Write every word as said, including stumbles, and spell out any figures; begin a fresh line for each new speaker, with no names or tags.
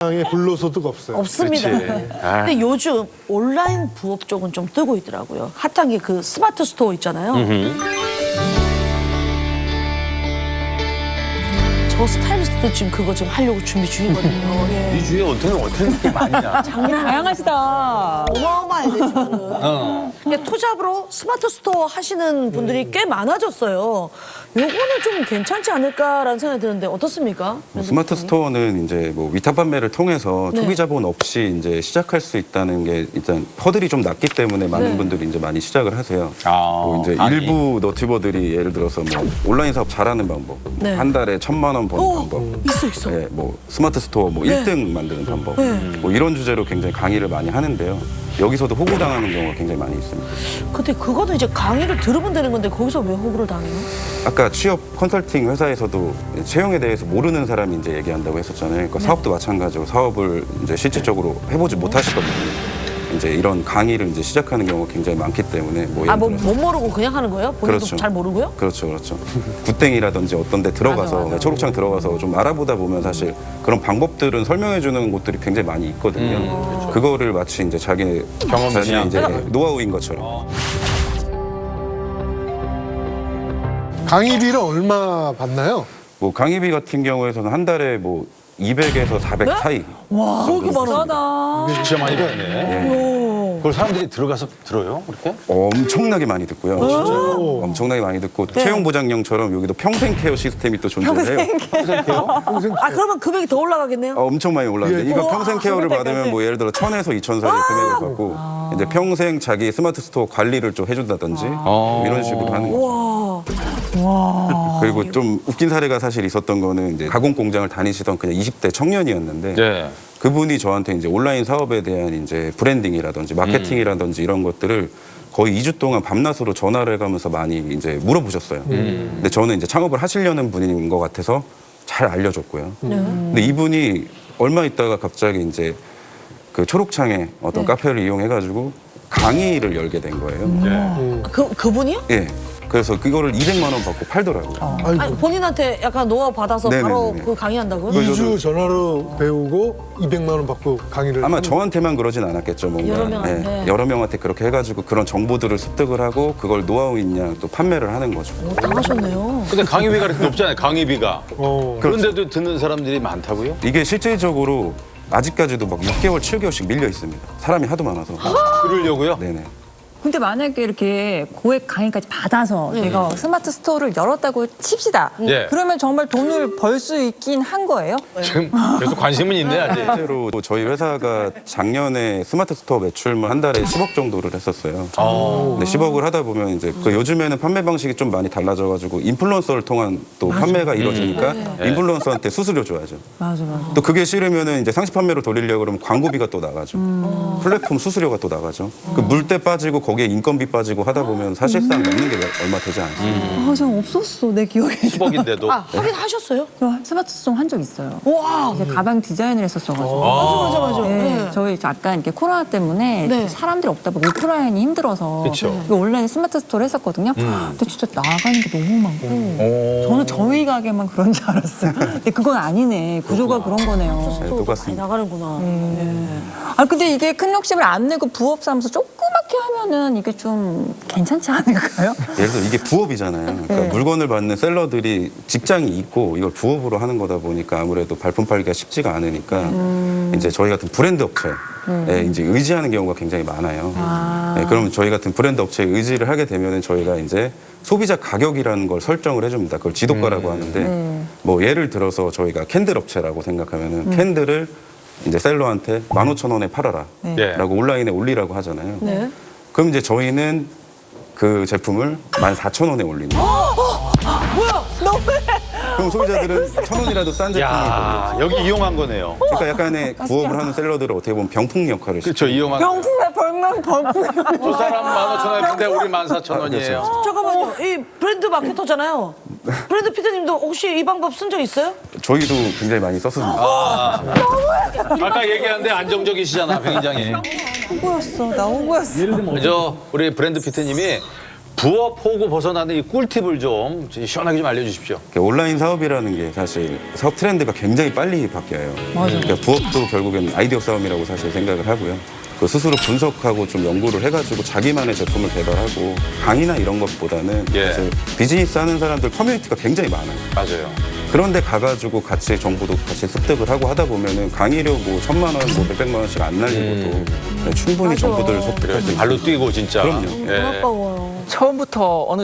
세상에 불로소득 없어요.
없습니다. 근데 요즘 온라인 부업 쪽은 좀 뜨고 있더라고요. 핫한 게 그 스마트 스토어 있잖아요. 저 스타일리스트도 지금 그거 지금 하려고 준비 중이거든요. 예.
이 주위에 어떻게 어떻게 게 많냐?
장난
다양하시다.
어마어마해요 지금.
어.
근데 투잡으로 스마트 스토어 하시는 분들이 꽤 많아졌어요. 요거는 좀 괜찮지 않을까라는 생각이 드는데 어떻습니까?
뭐 스마트 스토어는 이제 뭐 위탁 판매를 통해서
네.
초기 자본 없이 이제 시작할 수 있다는 게 일단 허들이 좀 낮기 때문에 많은
네.
분들이 이제 많이 시작을 하세요.
아,
뭐 이제
아니.
일부 너튜버들이 예를 들어서 뭐 온라인 사업 잘하는 방법,
네.
한 달에 천만 원 버는
오,
방법,
있어 있어.
예, 뭐 스마트 스토어 뭐
네.
일 등 만드는 방법,
네.
뭐 이런 주제로 굉장히 강의를 많이 하는데요. 여기서도 호구당하는 경우가 굉장히 많이 있습니다.
근데 그거는 이제 강의를 들으면 되는 건데 거기서 왜 호구를 당해요?
아까 취업 컨설팅 회사에서도 채용에 대해서 모르는 사람이 이제 얘기한다고 했었잖아요. 그러니까
네.
사업도 마찬가지로 사업을 이제 실질적으로 해보지 못하시거든요. 이제 이런 강의를 이제 시작하는 경우가 굉장히 많기 때문에 뭐 예를
아, 뭐
들어서
못 모르고 그냥 하는 거예요? 본인도
그렇죠.
잘 모르고요?
그렇죠, 그렇죠. 굿땡이라든지 어떤 데 들어가서
맞아, 맞아.
초록창 들어가서 좀 알아보다 보면 사실 그런 방법들은 설명해 주는 곳들이 굉장히 많이 있거든요.
음.
그거를 마치 이제 자기 자신의 이제 노하우인 것처럼.
어.
강의비를 얼마 받나요?
뭐 강의비 같은 경우에는 한 달에 뭐 이백에서 사백
네?
사이.
와, 그렇게 많아.
비싸다.
진짜 많이 받네.
예.
그걸 사람들이 들어가서 들어요? 그렇게?
엄청나게 많이 듣고요.
오.
엄청나게 많이 듣고
네.
채용 보장령처럼 여기도 평생 케어 시스템이 또 존재해요.
아, 그러면 금액이 더 올라가겠네요?
어, 엄청 많이 올랐는데
예.
이거
우와,
평생 케어를
그럴
받으면
때까지.
뭐 예를 들어 천에서 이천 사이 금액을 받고 이제 평생 자기 스마트 스토어 관리를 좀 해준다든지 뭐 이런 식으로 하는 거죠.
와.
그리고 좀 웃긴 사례가 사실 있었던 거는 이제 가공 공장을 다니시던 그냥 이십 대 청년이었는데
네.
그분이 저한테 이제 온라인 사업에 대한 이제 브랜딩이라든지 마케팅이라든지 이런 것들을 거의 이 주 동안 밤낮으로 전화를 해가면서 많이 이제 물어보셨어요. 근데 저는 이제 창업을 하시려는 분인 것 같아서 잘 알려줬고요. 근데 이분이 얼마 있다가 갑자기 이제 그 초록창에 어떤
네.
카페를 이용해가지고 강의를 열게 된 거예요.
네.
그, 그분이요?
예. 그래서 그거를 이백만 원 받고 팔더라고요.
아이고.
아니, 본인한테 약간 노하우 받아서
네네네네.
바로 그 강의한다고요?
그-
이 주 전화로 배우고 이백만 원 받고 강의를
아마
하는
저한테만 그러진 않았겠죠. 뭔가.
여러 명한테.
예, 여러 명한테 그렇게 해가지고 그런 정보들을 습득을 하고 그걸 노하우 있냐 또 판매를 하는 거죠.
오, 당하셨네요.
근데 강의비가 그렇게 높잖아요. 강의비가.
어.
그런데도 듣는 사람들이 많다고요?
이게 실질적으로 아직까지도 막 육 개월, 칠 개월씩 밀려 있습니다. 사람이 하도 많아서.
그러려고요?
네네.
근데 만약에 이렇게 고액 강의까지 받아서 내가 스마트 스토어를 열었다고 칩시다.
예.
그러면 정말 돈을 벌 수 있긴 한 거예요?
지금 계속 관심은 있네, 아직.
실제로 저희 회사가 작년에 스마트 스토어 매출만 한 달에 십억 정도를 했었어요. 근데 십억을 하다 보면 이제 그 요즘에는 판매 방식이 좀 많이 달라져가지고 인플루언서를 통한 또 판매가 이루어지니까 인플루언서한테 수수료 줘야죠.
맞아, 맞아.
또 그게 싫으면은 이제 상시 판매로 돌리려고 그러면 광고비가 또 나가죠. 플랫폼 수수료가 또 나가죠. 그 물때 빠지고 거기에 인건비 빠지고 하다 보면 사실상 남는 게 얼마 되지 않습니다.
아, 전 없었어, 내 기억에.
십억인데도.
아, 하긴 하셨어요?
저 스마트 스토어 한 적 있어요.
와.
이제 가방 디자인을 했었어가지고.
맞아, 맞아, 맞아.
네,
네.
저희 약간 이렇게 코로나 때문에
네.
사람들이 없다 보고 오프라인이 힘들어서
그쵸.
이거 온라인 스마트 스토어를 했었거든요. 근데 진짜 나가는 게 너무 많고 저는 저희 가게만 그런 줄 알았어요. 근데 그건 아니네. 구조가 그런 거네요.
네,
또 많이
똑같습니다.
나가는구나.
아 근데 이게 큰 욕심을 안 내고 부업 삼아서 조그맣게 하면은 이게 좀 괜찮지 않을까요?
예를 들어 이게 부업이잖아요. 그러니까
네.
물건을 받는 셀러들이 직장이 있고 이걸 부업으로 하는 거다 보니까 아무래도 발품 팔기가 쉽지가 않으니까
음.
이제 저희 같은 브랜드 업체에 이제 의지하는 경우가 굉장히 많아요.
아.
네, 그럼 저희 같은 브랜드 업체에 의지를 하게 되면은 저희가 이제 소비자 가격이라는 걸 설정을 해줍니다. 그걸 지도가라고 하는데
네.
뭐 예를 들어서 저희가 캔들 업체라고 생각하면은
음.
캔들을 이제 셀러한테 만 오천 원에 팔아라
네.
라고 온라인에 올리라고 하잖아요.
네.
그럼 이제 저희는 그 제품을 만 사천 원에 올립니다.
뭐야? 너무해.
그럼 소비자들은 천 원이라도 싼 제품이
야,
보여요.
여기 이용한 거네요.
그러니까 약간의 부업을 하는 셀러들은 어떻게 보면 병풍 역할을
그렇죠, 이용한 거.
병풍에 벌면 벌풍.
저 사람 만 오천 원인데 우리 만 사천 원이에요.
잠깐만요. 이 브랜드 마케터잖아요. 브랜드 피디님도 혹시 이 방법 쓴 적 있어요?
저희도 굉장히 많이 썼습니다.
아까 얘기했는데 안정적이시잖아, 병인장이.
호구였어, 나 호구였어.
저 우리 브랜드 피트님이 부업 호구 벗어나는 이 꿀팁을 좀 시원하게 좀 알려주십시오.
온라인 사업이라는 게 사실 사업 트렌드가 굉장히 빨리 바뀌어요.
맞아요.
그러니까 부업도 결국엔 아이디어 싸움이라고 사실 생각을 하고요. 그 스스로 분석하고 좀 연구를 해가지고 자기만의 제품을 개발하고 강의나 이런 것보다는
예.
사실 비즈니스 하는 사람들 커뮤니티가 굉장히 많아요.
맞아요.
그런데 가가지고 같이 정보도 같이 습득을 하고 하다 보면은 강의료 뭐 천만 원, 뭐 몇백만 원씩 안 날리고도 충분히
맞아.
정보들을 습득할 수 있어요.
발로 뛰고 진짜.
그럼요.
너무
예.
아까워요.
처음부터 어느